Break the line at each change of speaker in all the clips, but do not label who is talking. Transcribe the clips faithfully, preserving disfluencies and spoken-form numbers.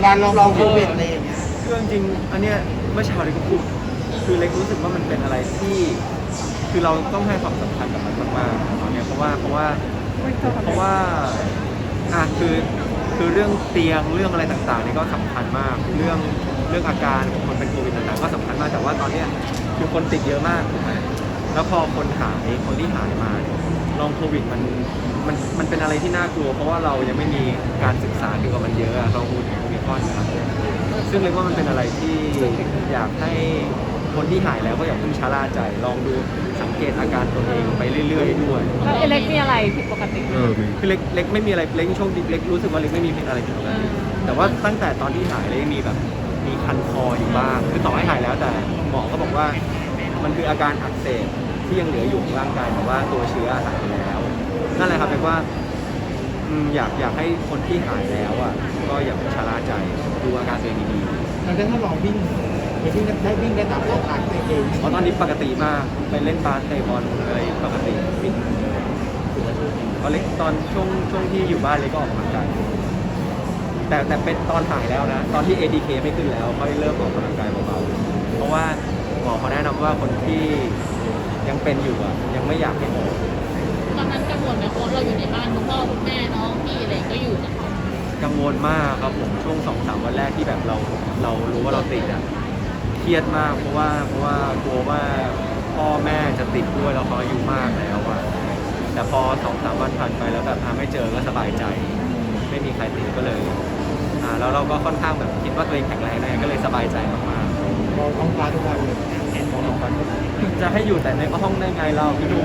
การลองโควิดอะไรอย่างเงี้ย
คือจริงๆอันเนี้ยเมื่อเช้าเล็กก็พูดคือเล็กรู้สึกว่ามันเป็นอะไรที่คือเราต้องให้ความสำคัญกับมันมากๆตอนเนี้ยเพราะว่าเพราะว่าเพราะว่าอ่ะคือคือเรื่องเตียงเรื่องอะไรต่างๆนี่ก็สำคัญมากเรื่องเรื่องอาการของคนเป็นโควิดต่างๆก็สำคัญมากแต่ว่าตอนเนี้ยคือคนติดเยอะมากถูกไหมแล้วพอคนหายคนที่หายมาลองโควิดมันมันมันเป็นอะไรที่น่ากลัวเพราะว่าเรายังไม่มีการศึกษาเกี่ยวกับมันเยอะอะเราพูดถึงโอมิครอนนะครับซึ่งเรียกว่ามันเป็นอะไรที่อยากให้คนที่หายแล้วก็อย่าเพิ่งชะล่าใจลองดูสังเกตอาการตัวเองไปเรื่อยๆด้วย
แล้วเอเล็กมีอะไรผิดปกติ
เออมี
คือเล็กเล็กไม่มีอะไรเล็กโชคดีเล็กรู้สึกว่าเล็กไม่มีอะไรผิดปกติแต่ว่าตั้งแต่ตอนที่หายเล็กมีแบบมีคันคออยู่บ้างคือต่อให้หายแล้วแต่หมอก็บอกว่ามันคืออาการอักเสบที่ยังเหลืออยู่ในร่างกายแต่ว่าตัวเชื้อหายแล้วนั่นแหละครับแปลว่าอืมอยากอยากให้คนที่หายแล้วอ่ะก็อย่าไปชะล่าใจดูอาการตัวเองดีๆ
เราได้ทดลองวิ่งไปวิ่งได้วิ่งได้ตามร่างกายตัวเอง
เพราะตอนนี้ปกติมากไปเล่นบาสเตะบอลอะไรปกติวิ่งตอนเล็กตอนช่วงช่วงที่อยู่บ้านเล็กก็ออกกำลังกายแต่แต่เป็นตอนหายแล้วนะ ตอนที่ เอ ดี เค ไม่ขึ้นแล้วค่อยเริ่มออกกำลังกายเบาๆเพราะว่าหมอเขาแนะนำว่าคนที่ยังเป็นอยู่อ่ะยังไม่อยากให้ออก
ตอนนั้นกังวลไหมเพราะเราอยู่ในบ้านคุณพ่อคุณแม่น้องพี่อะไรก็อยู่นะคะ
กังวลมากครับผมช่วงสองสามวันแรกที่แบบเราเรารู้ว่าเราติดอ่ะเครียดมากเพราะว่าเพราะว่ากลัวว่าพ่อแม่จะติดด้วยแล้วเขาอายุมากแล้วอ่ะแต่พอสองสามวันผ่านไปแล้วแบบหาไม่เจอก็สบายใจ ไม่มีใครติดก็เลยอ่าแล้วเราก็ค่อนข้างแบบคิดว่าตัวเองแข็งแรงนะก็เลยสบายใจมาก
มองท้องฟ้าทุกวันเลย
ๆมองลงไปจะให้อยู่แต่ในห้องได้ไงเราพี่ดู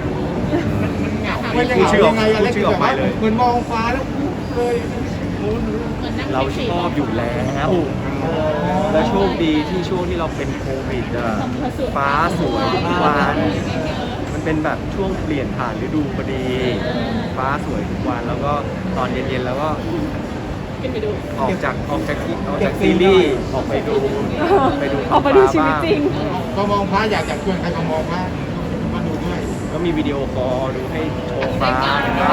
มันยัง
พูดชื่อออก
ยังไงอะไร
พูดชื่อออกไปเลย
เหมือนมองฟ้าแล้วเลยนู้น
เหมือนนั่ง
เรา
แท็กซี่
ชอบอยู่แล้ว แล้วโชคดีที่ช่วงที่เราเป็นโควิดอะฟ้าสวยทุกวันมันเป็นแบบช่วงเปลี่ยนผ่านฤดูพอดี ฟ้าสวยทุกวันแล้วก็ตอนเย็นๆแล้วก็
ขึ้นไปดู
ออกจากออกจากที่ออกจากซีรีส์ออกไปดูไปดู
ออกไปดูชีวิตจริง
ก็มองฟ้าอยากอยากชวนใครมามองฟ้ามาดูด้วย
ก็มีวิดีโอคอลดูให้โชว์ฟ้ากันบ้าง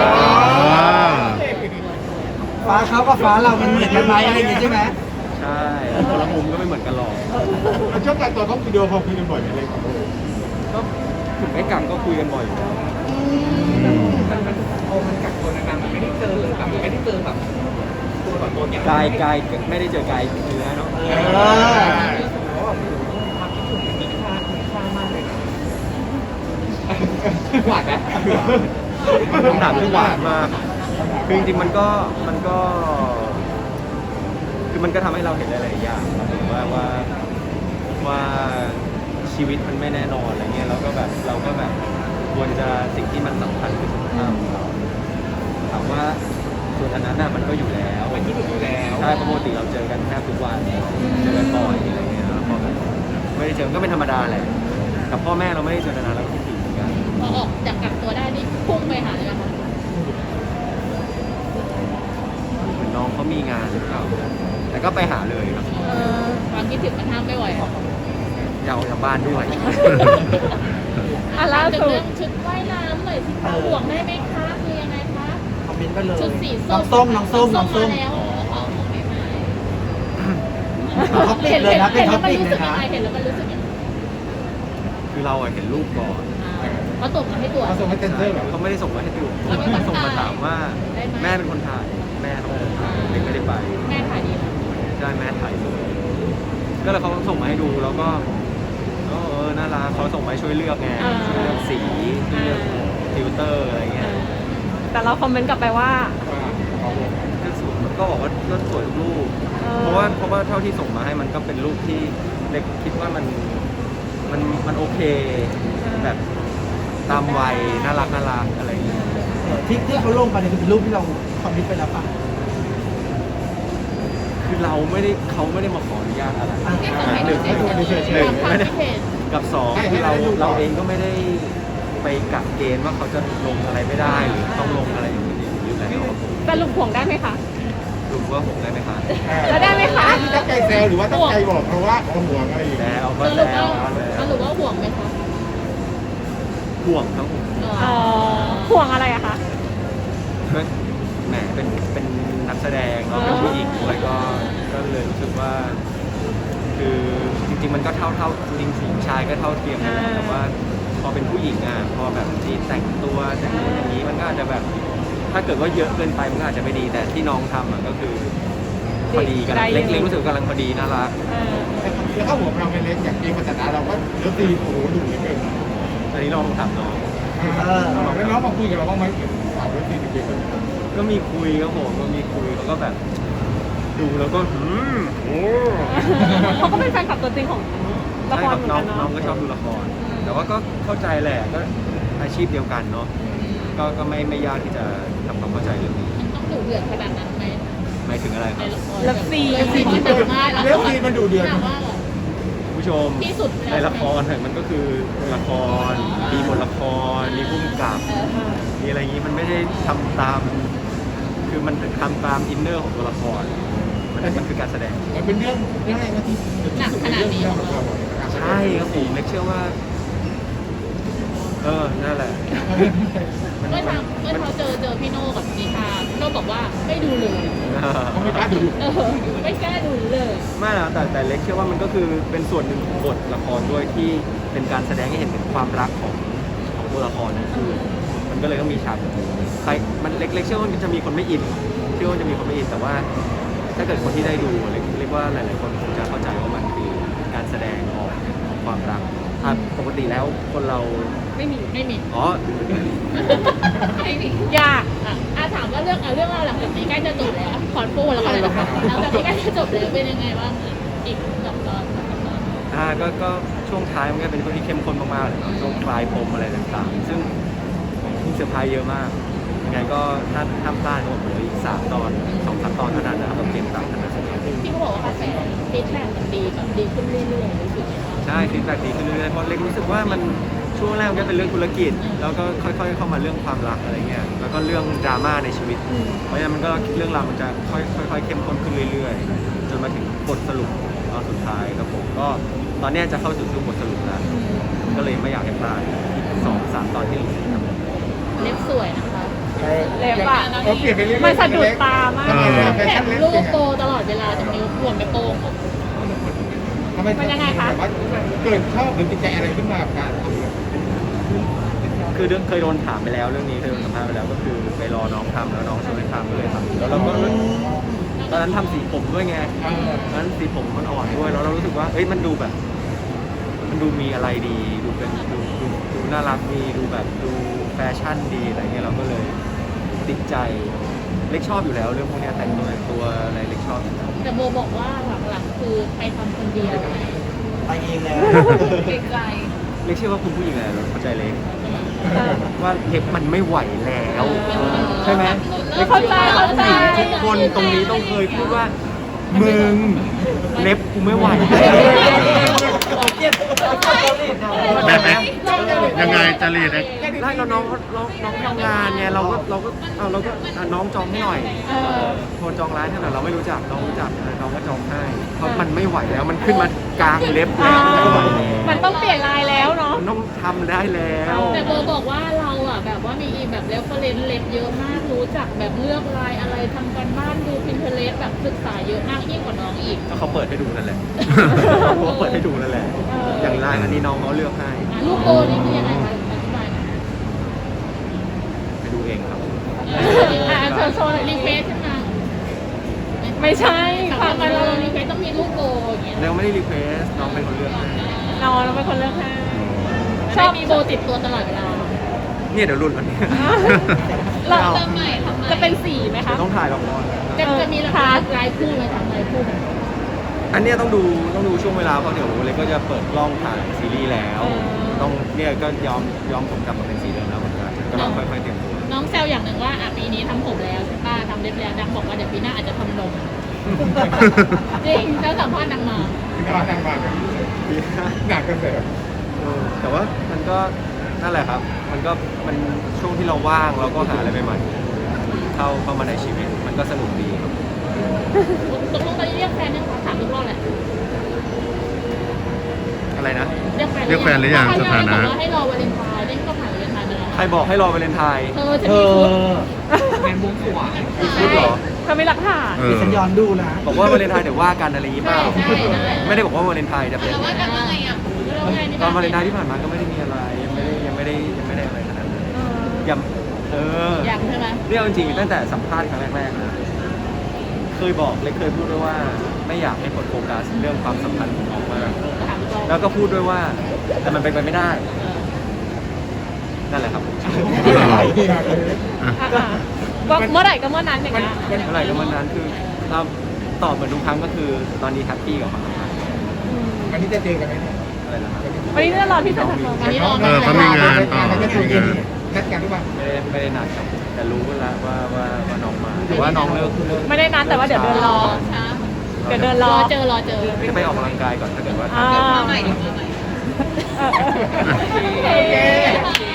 ฟ้าเขากับฟ้าเรามันเหมือนกันไหมอะไรอย่างงี้ใช่ไหม
ใช่คนละมุมก็ไม่เหมือนกันหรอก
มันช่วงการตัวเขาวิดีโอพอคุยกันบ่อยอะไรของเรา
ก็ถึงไม่กังก็คุยกันบ่อยอยู่แล้ว
พอมันกักตัวนานๆมันไม่ได้เจอแบบไม่ได้เจอแบบตัวต่อตัวอย่าง
กายกายไม่ได้เจอกายเนื้อเนาะ
เออ
ความคิดถึงมันมีค่ามีค่ามากเลยนะหวานไหม
คำถามที่หวานมากคือจริงๆมันก็มันก็ คือมันก็ทำให้เราเห็นหลายๆอย่างครับผมว่าว่าว่าชีวิตมันไม่แน่นอนอะไรเงี้ยเราก็แบบเราก็แบบควรจะสิ่งที่มันสำคัญคือสุขภาพของเราถามว่าส่วนอันนั้นน่ะมันก็อยู่แล้ว
เป็นที่สุดอยู่แล้ว
ใช่ปกติเราเจอกันแทบทุกวันเจอกันบ่อยอะไรเงี้ยแล้วพอแบบไม่ได้เจอก็เป็นธรรมดาแหละกับพ่อแม่เราไม่ได้เจอกันนานแล้วก็คิดถึงเหมือนกัน
พอออกจากกักตัวได้นี่พุ่งไปหาเลยไหมคะ
เหมือนน้องเขามีงานหรือเปล่าแต่ก็ไปหาเลยครับ
เออความคิดถึงมันห้ามไม่ไหวอะ
อยากออกจากบ้านด้วย
อ่ะล่า
ถึง
สุด
เรื่องชุดว่ายน้ำหน่อยสิคะห่วงได้ไหมคะคือยังไงคะ
คอมเมนต์ไปเลย
ชุดสี
น้
ส้
อ
ม
งส้มน้องส้มน้องส้ม
มาแล้วอ๋อของไม่มา
ท็อปปิกเลยนะเป็นท็อปปิกเลยนะ
เห็นแล้วมันรู้สึกยังไง
คือเราอะเห็นรูปก่อน
อ่าเขาส่งมาให้ตรวจ
เขาส่งให้เซ็นเซอร์เหรอ
เขาไม่ได้ส่งมาให้ดู
แล้วมีคน
ส่งมา
ถ่าย
ถามว่า
ได้ไหม
แม่เป็นคนถ่าย แม่เขาเป็นคนถ่ายเด็กไม่ได้ไป
แม่ถ่ายดีนะ
ใช่แม่ถ่ายสวยก็เลยเขาส่งมาให้ดูแล้วก็เออเออน่ารักเขาส่งมาให้ช่วยเลือกไงช่วยเลือกสีช่วยเลือกฟิลเตอร์อะไรเงี้ย
แต่เราคอมเมนต์กลับไปว่า
ก็สวยก็บอกว่าก็สวยทุกรูป
เออ
เพราะว่าเพราะว่าเท่าที่ส่งมาให้มันก็เป็นรูปที่เล็กคิดว่ามันมันมันโอเคแบบตามวัยน่ารักน่ารักอะไรอย่างเงี้ย
ที่ที่เขาลงไปเนี่ยคือเป็นรูปที่เราคอมมิตไปแล้วป่ะ
คือเราไม่ได้เขาไม่ได้มาขออนุญาตอะไร
อ่า
ที่ส่งให้ดู
ให้ดูเฉยๆ
ตามความคิดเห็น
กับสองคือเราเราเองก็ไม่ได้ไปกักเกณฑ์ว่าเขาจะลงอะไรไม่ได้หรือต้องลงอะไรอย่างนี้อยู่แล้ว
แต่ลุงห่วงได้ไหมคะ
รู้ว่าผมได้ไหมคะ
แล้วได้ไหมคะ
ตั้งใจแซวหรือว่าตั้งใจบอกเพราะว่าเขาห่วงอะไรอยู่
แล้วก็
ส
แซ
รุป
ว
ว่า
แล้ว
สรุปว่าห่วงไหมคะ
ห่วงทั้งผม
อ๋อ ห่วงอะไรอะคะ
ก็แหมเป็นเป็นนักแสดงเนาะเป็นผู้หญิงด้วยก็ก็เลยรู้สึกว่า คือจริงๆมันก็เท่าเท่าจริงๆสิงชายก็เท่าเทียมกันแหละแต่ว่าพอเป็นผู้หญิงอ่ะพอแบบที่แต่งตัวแต่งตัวอย่างนี้มันก็อาจจะแบบถ้าเกิดว่าเยอะเกินไปมันก็อาจจะไม่ดีแต่ที่น้องทำอ่ะก็คือพอดีกันเล็กๆรู้สึกกำลังพอดีน่ารัก
เออ
แล้วถ้าหัวเราเป็นเล็กอย่างเกมพัฒนาเราก็เลือกตีโอ้โหดูเหลือเกิน
อันนี้ลองถามน้อง
เออแล้วน้องมาคุยกับเราบ้างไหมเกี่ยวกับข่าวเรื่องตีเกม
ก็มีคุยครับผมก็มีคุยเขาก็แบบดูแล้วก็หืมโอ้
เขาก็เป็นแฟนคลับตัวจริงของละ
ใช่
ค
ค
ร
รับ
เหมือน
น้อ
กั
ง
นเนาะ
น้องก็ชอบดูละคร แต่ว่าก็เข้าใจแหละก็อาชีพเดียวกันเนาะก็ก็ไม่ไม่ยากที่จะทำความเข้าใจเรื่องนี้
มันต้องดุเดือดขนาดนั้นไหม
หมายถึงอะไรค
ใน
รับ
ละคร
เลิฟซี
เลิฟซีมันดุมาก
เลิฟซีนมันดูเดือด
แบบว่า
คุณผู้ชม
ที่สุดแล้ว
ในละครเนี่ยมันก็คือละครมีบทละครมีผู้กำกับ
เออ
มีอะไรอย่างนี้มันไม่ได้ทำตาม คือมันทำตามอินเนอร์ของตัวละครมันมันคือการแสดง
มันเป็นเรื่องเรื่องอะไรนะที่ของเรา
ใช่ครับผมเล็กเชื่อว่า เออนั่นแหละมัน
เมื่อ
มั
ทางเมื่อเขาเจอเจอพี่โน่กับนิชาพี่โน่บอกว่าไม่ดูเลย
เขาไม่กล้าดู
เออไม่กล้าดูเลย
ไม่นะแต่แต่เล็กเชื่อว่ามันก็คือเป็นส่วนหนึ่งของบทละครด้วยที่เป็นการแสดงให้เห็นถึงความรักของของตัวละครนั่นคือ มันก็เลยต้องมีฉากแบบนี้ใครมันเล็กเล็กเชื่อว่ามันจะมีคนไม่อินเชื่อว่าจะมีคนไม่อินแต่ว่า ถ้าเกิดคนที่ได้ดูเรียกเรียกว่าหลาย ๆ คนคงจะเข้าใจว่ามันคือการแสดงออกของความรักอ่ะปกติแล้วคนเรา
ไม่มี
ไม่มี
อ๋อ
ไม่มี
ยาก
อ่ะอ่ะถามว่าเรื่องอ่ะเรื่องราวหลังจากนี้ใกล้จะจบแล้วขอนปูแล้วก็เลยนะคะหลังจากนี้ใกล้จะจบแล้วเป็นยังไงบ้างอีกสองตอนสามตอน
อ่าก็ก็ช่วงท้ายมันก็เป็นช่วงที่เข้มข้นมากๆเลยเนาะช่วงปลายปมอะไรต่างๆ ซึ่งมีเซอร์ไพรส์เยอะมากยังไงก็ถ้าห้ามพลาดก็เหลืออีกสามตอนสองสามตอนเท่านั้นนะครับต้องเตรียมตามทันที
ที่เขาบอกว่ากระแสฟีดแบ็กมันดีแบบดีขึ้นเรื่อยๆรู้สึกไหมคะ
ใช่ฟีดแบ็กดีขึ้นเรื่อยๆเพราะเล็กรู้สึกว่ามันช่วงแรกมันก็เป็นเรื่องธุรกิจ แล้วก็ค่อยๆเข้ามาเรื่องความรักอะไรเงี้ยแล้วก็เรื่องดราม่าในชีวิต เพราะฉะนั้นมันก็เรื่องราวมันจะค่อยๆค่อยๆเข้มข้นขึ้นเรื่อยๆ จนมาถึงบทสรุปตอนสุดท้ายครับผมก็ตอนเนี้ยจะเข้าสู่ช่วงบทสรุปแล้วก็เลยไม่อยากให้พลาดอีกสองสามตอนที่เหลือครับ
เล็บสวยนะคะ
เล็บอะ
เขาเปลี่ยนไปเรื่อยๆ
มันสะดุดตามาก
แถมลูกโตตลอดเวลาตรงนิ้วขวนไปโป้ง
ทำไมเกิดชอบหรือติดใจอะไรขึ้นมากับการทำ
คือเรื่องเคยโดนถามไปแล้วเรื่องนี้เคยโดนสัมภาษณ์ไปแล้วก็คือไปรอน้องทำแล้วน้องชวนให้ทำก็เลยทำแล้วเราก็ตอนนั้นทำสีผมด้วยไงตอนนั้นสีผมมันอ่อนด้วยแล้วเรารู้สึกว่าเอ้ยมันดูแบบ มันดูมีอะไรดีดูเป็นดูดูดูน่ารักดีดูแบบดูแฟชั่นดีอะไรเงี้ยเราก็เลยติดใจเล็กชอบอยู่แล้วเรื่องพวกเนี้ยแต่งตัวแต่งตัวอะไรเล็กชอบอยู่แล้ว
แต่โบบอกว่าหลังๆคือไปทำคนเดียว
ไปเองแล้ว
ไกล
เล็กเชื่อว่าคุณผู้หญิงแหละเข้าใจเล็กว่าเล็บมันไม่ไหวแล้วใช่ไหมเล็ก
เข้าใจ
ชื่อว่
เข้าใจ
ผู้หญิงทุกคนตรงนี้ต้องเคยพูดว่ามึงเล็บกูไม่ไหว
แบบไหนยังไงจริตเอ็ก
ไล่เราน้องน้องน้องทำงานไงเราก็เราก็เอาเราก็อ่ะน้องจองให้หน่อย
เออ
โทรจองร้านให้หน่อยเราไม่รู้จักน้องรู้จักเออน้องก็จองให้เพราะมันไม่ไหวแล้วมันขึ้นมากลางเล็บ
อ่า
แล้วไม่ไหวแล้ว
มันต้องเปลี่ยนลายแล้วเนาะ
มันต้องทำได้แล้ว
แต่โบบอกว่าเราอ่ะแบบว่ามีแบบเรฟเฟรนซ์เล็บเยอะมากรู้จักแบบเลือกลายอะไรทำกันบ้านดูพินเทเลสแบบศึกษาเยอะมากยิ่งกว่าน้องอีก
ก็เขาเปิดให้ดูนั่นแหละ เขาเปิดให้ดูนั่นแหละ อย่างลายอันนี้น้องเขาเลือกให้
อ่ะลูกโบนี่คือยังไงคะอธิบายหน่อย
ไปดูเองครับ
อ่ะเชิญโชว์หน่อย
รีเควสใช่ไหม
ไม่ใช่
ทำ
ฟัง
ไม
กันเล
เรา
ย
รีเควสต้องมีลูกโบอย่างเงี้ย
แล้วไม่ได้รีเควสน้องเป็นคนเลือกให้
นอนเราเป็นคนเลือกให้
ชอบมีโบติดตัวตลอดเวลา
เนี่ยเดี๋ยวรุ่นวันนี้
เรา
ทำไมทำไม
จะเป็นสีไหมคะ
ต้องถ่ายละคร
จะจะมีราคาลายคู่ไหมทำลายคู่ไหม
อันเนี้ยต้องดูต้องดูช่วงเวลาเพราะเดี๋ยวเล็กก็จะเปิดกล้องถ่ายซีรีส์แล้ว ต้องเนี่ยก็ยอมยอมผมกลับมาเป็นสีเดิมแล้วเหมือนกันก็ต้องค่อยๆเตรียมตัว
น้องแซวอย่างหนึ่งว่าอ่ะปีนี้ทำผมแล้วใช่ป่ะทำเล็บแล้วดังบอกว่าเดี๋ยวปีหน้าอาจจะทำนมจริงเจ้าสัมภาษณ์นางมา
งานทางมาหนักกันแต่
เออแต่ว่ามันก็นั่นแหละครับ มันก็มันช่วงที่เราว่างเราก็หาอะไรใหม่ๆเข้าเข้ามาในชีวิตมันก็สนุกดีครับ
ตกลงตอนนี้เรียกแฟนยังคะถามทุกรอบแหละ
อะไรนะ
เรียกแฟน
เรียกแฟนหรือยังสถานะ
บอกว่าให้รอวาเลนไทน์เล่นก็ผ่านวาเลนไทน์ไปแล้ว
ใครบอกให้รอวาเลนไทน์
เธอจะมีชุด
งานบวงสรวง
มีชุดเหรอ
เธอมีหลักฐาน
เออ
ฉันย้อนดูนะ
บอกว่าวาเลนไทน์เดี๋ยวว่ากันอะไรอย่างงี้เปล่า
ใช่ใช่
ไม่ได้บอกว่าวาเลนไทน์จะเป็น
เราว่ากันว่าไงอ่ะเราไงนี่
ตอนวาเลนไทน์ที่ผ่านมาก็ไม่ได้มีอะไรยังไม่ได้ยังไม่ได้ยังไม่ได้อะไรขนาดนั้นยังเออ
อย่างใช่ไหม
เรื่องจริงๆตั้งแต่สัมภาษณ์ครั้งแรกๆนะเคยบอกเลยเคยพูดด้วยว่าไม่อยากให้คนโฟกัสเรื่องความสัมพันธ์ของน้องมาก
ถามตรง
แล้วก็พูดด้วยว่าแต่มันเป็นไปไม่ได้
เออ
นั่นแหละครับ
อ่ะอ่ะก็เมื่อไหร่ก็เมื่อนั้นอย่างเงี้ย
เมื่อไหร่ก็เมื่อนั้นคือเราตอบเหมือนทุกครั้งก็คือตอนนี้แฮปปี้กับความสัมพันธ์
วันนี้จะเจอกันไหมเนี่ย
อะไรนะครับ
วันนี้จะรอที่เซ็นทรัลเวิลด์
วันนี้เรา
เออเขามีงานต่อ
เขาจะ
มี
เย็
งาน น
นัดกันหรือเปล่า
ไม่ได้ไม่ได้นัดครับแต่รู้แล้วว่าว่าว่าน้องมาแต่ว่าน้องเลิกเลิก
ไม่ได้นัดแต่ว่าเดี๋ยวเดินรอ
ช้า
เดี๋ยวเดินร
ร
อ
อเจอรอเจอ
จะไปออกกำลังกายก่อนถ้าเกิดว่า
อ่า
มาใหม่เดี๋ยวมาใหม่
เออเออ
โอเค